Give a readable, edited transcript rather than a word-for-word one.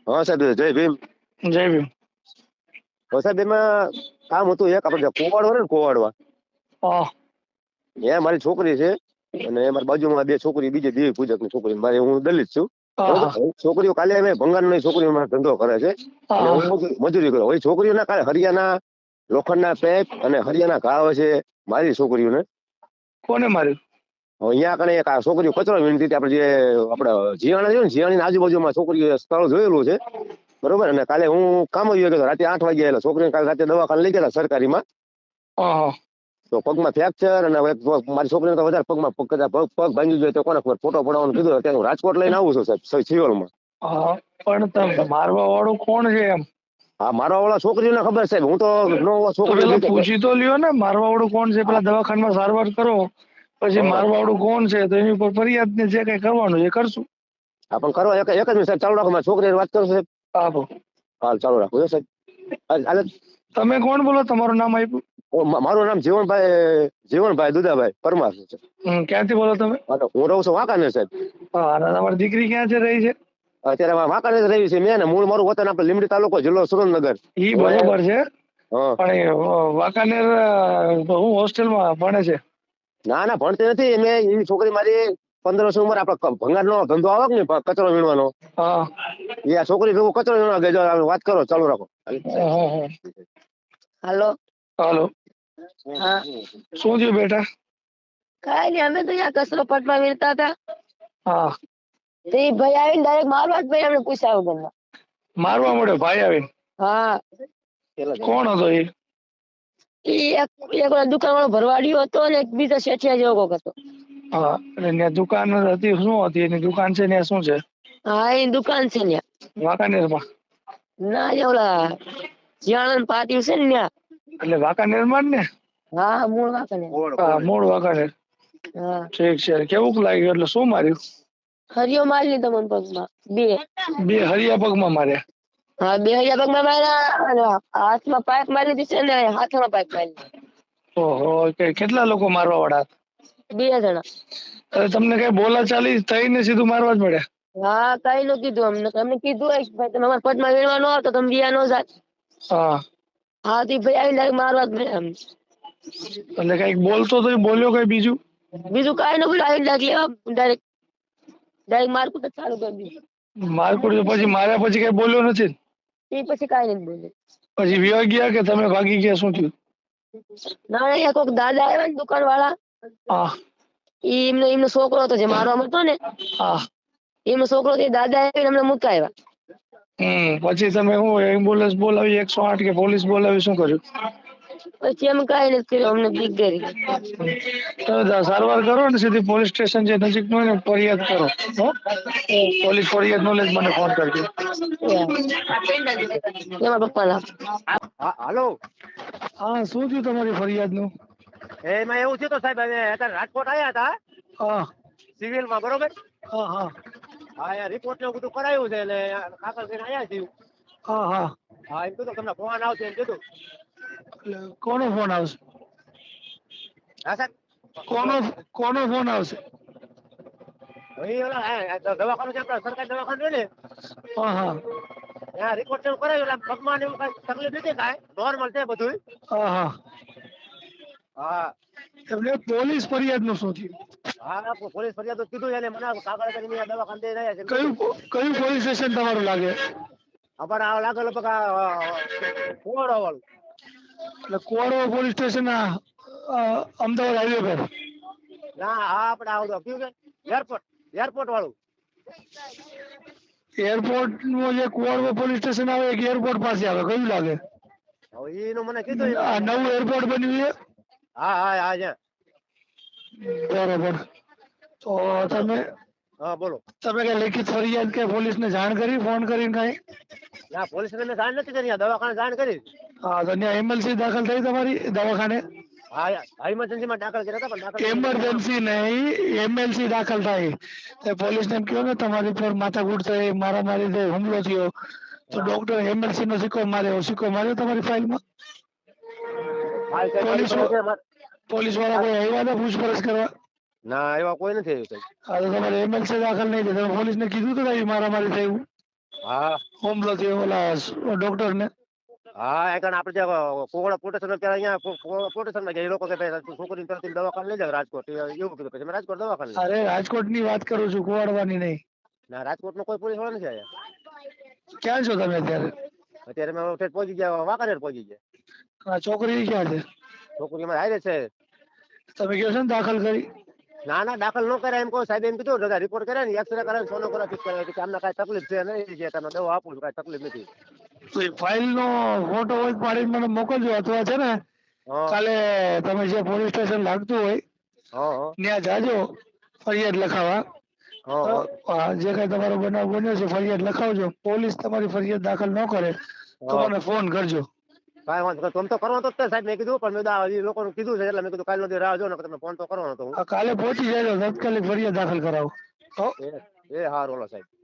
હા સાહેબ, જય ભીમ. જય ભીમ. સાહેબ એમાં કામ હતું એક, આપણે કોવાડવા ને કોવાડવા હા ત્યાં મારી છોકરી છે અને મારી બાજુમાં બે છોકરી, બીજી દેવી પૂજક ની છોકરી. મારે હું દલિત છું બરોબર. હા છોકરીઓ કાલે અમે ભંગારની છોકરીઓ ધંધો કરે છે અને હા હું મજૂરી કરું. હવે છોકરીઓના કાલે હરિયાના લોખંડના પેપ અને હરિયાના ઘાવ છે મારી છોકરીઓને. કોને માર્યું? હવે અહીંયા કને એક આ છોકરીઓ કચરો વીણતી હતી. આપણે જે આપણે જીયાણા છે ને, જીયાણી આજુબાજુમાં છોકરીઓ સ્થળ જોયેલું છે બરોબર. અને કાલે હું કામ જ ગયો, રાતે 8 વાગે આવેલો. છોકરીને કાલે રાતે દવાખાને લઈ ગયા સરકારીમાં. હા તો પગમાં ફ્રેક્ચર અને મારી છોકરીને તો વધારે પગમાં પગ ભાંગી ગયો. તો કોને ખબર, ફોટો પડાવવાનું કીધું. અત્યારે હું રાજકોટ લઈને આવું છું સાહેબ, સિવિલમાં. હા પણ તમે મારવા વાળું કોણ છે એમ? હા, મારા વાળા છોકરીઓને ખબર સાહેબ. હું તો નો તો છોકરીઓ પેલા બીજે પૂછી તો લ્યો ને, મારવા વાળું કોણ છે. પેલા દવાખાનામાં સારવાર કરો, પછી મારવા વાળું કોણ છે તો એની ઉપર ફરિયાદ ને જે કઈ કરવાનું એ કરશું. પણ કરવા એક જ મિનિટ સાહેબ ચાલુ રાખો. મારી છોકરીને વાત કરું સાહેબ. આપો. હાલ ચાલુ રાખો સાહેબ. હાલે. તમે કોણ બોલો? તમારું નામ આપ્યું? મારું નામ જીવણભાઈ દુદાભાઈ પરમાર છે. ક્યાંથી બોલો તમે? હું રહું છું વાંકાનેર સાહેબ. હા, અને તમારી દીકરી ક્યાં છે રહી છે? અત્યારે વાંકાનેર રહી છે. મેં ને મૂળ મારું વતન આપણે લીંબડી તાલુકો, જિલ્લો સુરેન્દ્રનગર. ઈ બરોબર છે, હા. પણ એ વાંકાનેર હું હોસ્ટેલમાં ભણે છે. ના ના, ભણતી નથી. મેં એવી છોકરી મારી 15 વર્ષની ઉંમર, આપણે ભંગારનો ધંધો આવે ને કચરો વીણવાનો, હા એ આ છોકરી ભેગું કચરો વીણવા ગયો. વાત કરો, ચાલુ રાખો. હાલો. હાલો. હા, શું થયું બેટા? કઈ નઈ, અમે તો અહીંયા કચરો પટવા વીણતા હતા. હા, તે ઈ ભાઈ આવીને ડાયરેક્ટ મારવા જ ભાઈ અમને પૂછ્યા વગર. મારવા મળ્યો ભાઈ આવીને? હા, કોણ હતો એ? ઈ એક દુકાન વાળો ભરવાડિયો હતો ને એક બીજો શેઠિયા જેવો કોક હતો. હા, એટલે ત્યાં દુકાન હતી, શું હતી એની દુકાન છે ત્યાં શું છે? હા, એ દુકાન છે ત્યાં. વાંકાનેરમાં? ના, એ ઓલા જીયાણન પાટિયું છે ને ત્યાં. એટલે વાંકાનેરમાં જ ને? હા, મૂળ વાંકાનેર. હા, મૂળ વાંકાનેર. હા, ઠીક છે. કેવું લાગ્યું? એટલે શું માર્યું? હરિયો મારી લીધો મને પગમાં બે. બે હરિયા પગમાં માર્યા? હા, બે હરિયા પગમાં માર્યા અને હાથમાં પાઇપ મારી દીધી છે ને હાથમાં પાઇપ મારી. ઓહો, કેટલા લોકો મારવા વાળા? 2 જણા. અરે તમને કઈ બોલા ચાલી થઈને સીધું મારવા જ મળ્યા? હા, કઈ નું કીધું અમને. અમને કીધું હોય ભાઈ તમે અમારા પદમાં વીણવા ન આવતો તમે બીયા નો જાત. હા. હા, તે ભાઈ આવીને મારવા જ મળ્યા અમને. એટલે કઈક બોલતો તો બોલ્યો કઈ બીજું? બીજું કઈ ન બોલ્યું, આવીને ડાયરેક્ટ મારકુટ જ ચાલુ કરી દીધું. મારકુટ પછી માર્યા પછી કઈ બોલ્યો નથી? એ પછી કઈ નથી બોલ્યું. પછી વિવા ગયા કે તમે ભાગી ગયા, શું થયું? ના, અહીંયા કોઈક દાદા આવ્યા ને દુકાન વાળા. હા એમનો છોકરો હતો જે મારવા હતો ને, હા. એમનો છોકરો દાદા આવીને અમને મુકાવ્યા. પછી તમે હું એમ્બ્યુલન્સ બોલાવી, 108 કે પોલીસ બોલાવી, શું કર્યું? પછી એમ કઈ નથી કર્યું, અમને બીક ગઈ. તમે સારવાર કરો ને સીધી પોલીસ સ્ટેશન જે નજીક નું હોય ને ફરિયાદ કરો. પોલીસ ફરિયાદ નોલેજ મને ફોન કરજો. એમાં પપ્પા ના. હાલો. હા, શું થયું તમારી ફરિયાદ નું? એમાં એવું છે તો સાહેબ, અમે અત્યારે રાજકોટ આવ્યા હતા હા સિવિલમાં બરોબર. હા હા હા, અહીંયા રિપોર્ટ ને બધું કરાયું છે એટલે કાગળ લઈને આવ્યા છીએ. હા હા. હા, એમ કીધું તમને ફોન આવશે એમ કીધું. એટલે કોનો ફોન આવશે? હા સાહેબ. કોનો ફોન આવશે? દવાખાનું છે, આપણા સરકારી દવાખાનું છે ને, હા હા ત્યાં રિપોર્ટ એવું કરાયું એટલે પગમાં એવું કઈ તકલીફ નથી, કાંઈ નોર્મલ છે બધું. હા હા. હા એટલે પોલીસ ફરિયાદ નું શું થયું? હા, પોલીસ ફરિયાદ તો કીધું એને, મને કાગળ કરીને દવાખાને દઈ રહ્યા છે કયું કીધું. કયું પોલીસ સ્ટેશન તમારું લાગે? આપણે આ લાગેલો પગા કુવાડો વાળું. એટલે કોડવા પોલીસ સ્ટેશન અમદાવાદ હાઈવે પર? ના, હા, આપણે આવડો કયું કે એરપોર્ટ વાળું. એરપોર્ટ નું જે કુવાડવા પોલીસ સ્ટેશન આવે એક એરપોર્ટ પાસે આવે, કયું લાગે? હવે એનું મને કીધું આ એમ. નવું એરપોર્ટ બન્યું છે? હા હા હા છે. બરોબર. તો તમે હા બોલો. તમે કઈ લેખિત ફરિયાદ કે પોલીસ ને જાણ કરી, ફોન કરીને કઈ? ના, પોલીસ ને જાણ નથી કરી, દવાખાને જાણ કરી. હા, તો ત્યાં એમએલસી દાખલ થઈ તમારી દવાખાને? હા, ઇમરજન્સી માં દાખલ કર્યા હતા પણ દાખલ એમરજન્સી નહીં, એમએલસી દાખલ થાય. તો પોલીસ ને એમ કહો ને તમારી પર માથાકૂટ થઈ, મારામારી થઈ, હુમલો થયો, તો ડોક્ટર એમએલસી નો સિક્કો માર્યો તમારી ફાઇલમાં? હાલ ચેક કરી પોલીસ પડે છે પોલીસ વાળા કોઈ આવ્યા હતા પૂછપરછ કરવા? ના, એવા કોઈ નથી આવ્યું સાહેબ. હા, તો તમારે એમએલસી દાખલ નહીં થાય, તમે પોલીસ ને કીધું તો મારામારી થયું? હા હુમલો થયો ઓલા ડોક્ટર ને? હા એ કારણ આપણે ત્યાં કોગળા પોટેશન અત્યારે અહીંયા પોટેશન માં ગયા એ લોકો કે ભાઈ છોકરીને તરત દવાખાને લઈ જાવ રાજકોટ એવું કીધું પછી મેં રાજકોટ દવાખાને લઈ અરે રાજકોટ ની વાત કરું છું, કુવાડવાની નહીં. ના રાજકોટમાં કોઈ પોલીસ વાળા નથી આવ્યા ક્યાં છો તમે અત્યારે? અત્યારે અમે ઠેઠ પહોંચી ગયા વાંકાનેર પહોંચી ગયા આ છોકરી ક્યાં છે? છોકરી અમારે હારે છે તમે કહો છો ને દાખલ કરી? ના ના દાખલ ન કરે એમ કહો સાહેબ એમ કીધું બધા રિપોર્ટ કરે ને એક્સરે કરે સોનોગ્રાફી કરે કે અમને કાંઈ તકલીફ છે નહીં કે તમે દવા આપું છું કાંઈ તકલીફ નથી તો એ ફાઇલ નો ફોટો હોય તો પાડીને મને મોકલજો, અથવા છે ને હા કાલે તમે જે પોલીસ સ્ટેશન લાગતું હોય હા ત્યાં જાજો ફરિયાદ લખાવા. હા હા હા, જે કઈ તમારો બનાવ બન્યો છે ફરિયાદ લખાવજો. પોલીસ તમારી ફરિયાદ દાખલ ન કરે તો હા મને ફોન કરજો. કાંઈ વાંધો નહીં. તમે તો કરવાનો જ છે સાહેબ મેં કીધું પણ મેં કીધું આ લોકોનું કીધું છે એટલે મેં કીધું કાલનો દી રાહ જો ને તમે ફોન તો કરવાનો હતો હું કાલે પહોંચી જાય તાત્કાલિક ફરિયાદ દાખલ કરાવો. હો. એ હારું ઓલો સાહેબ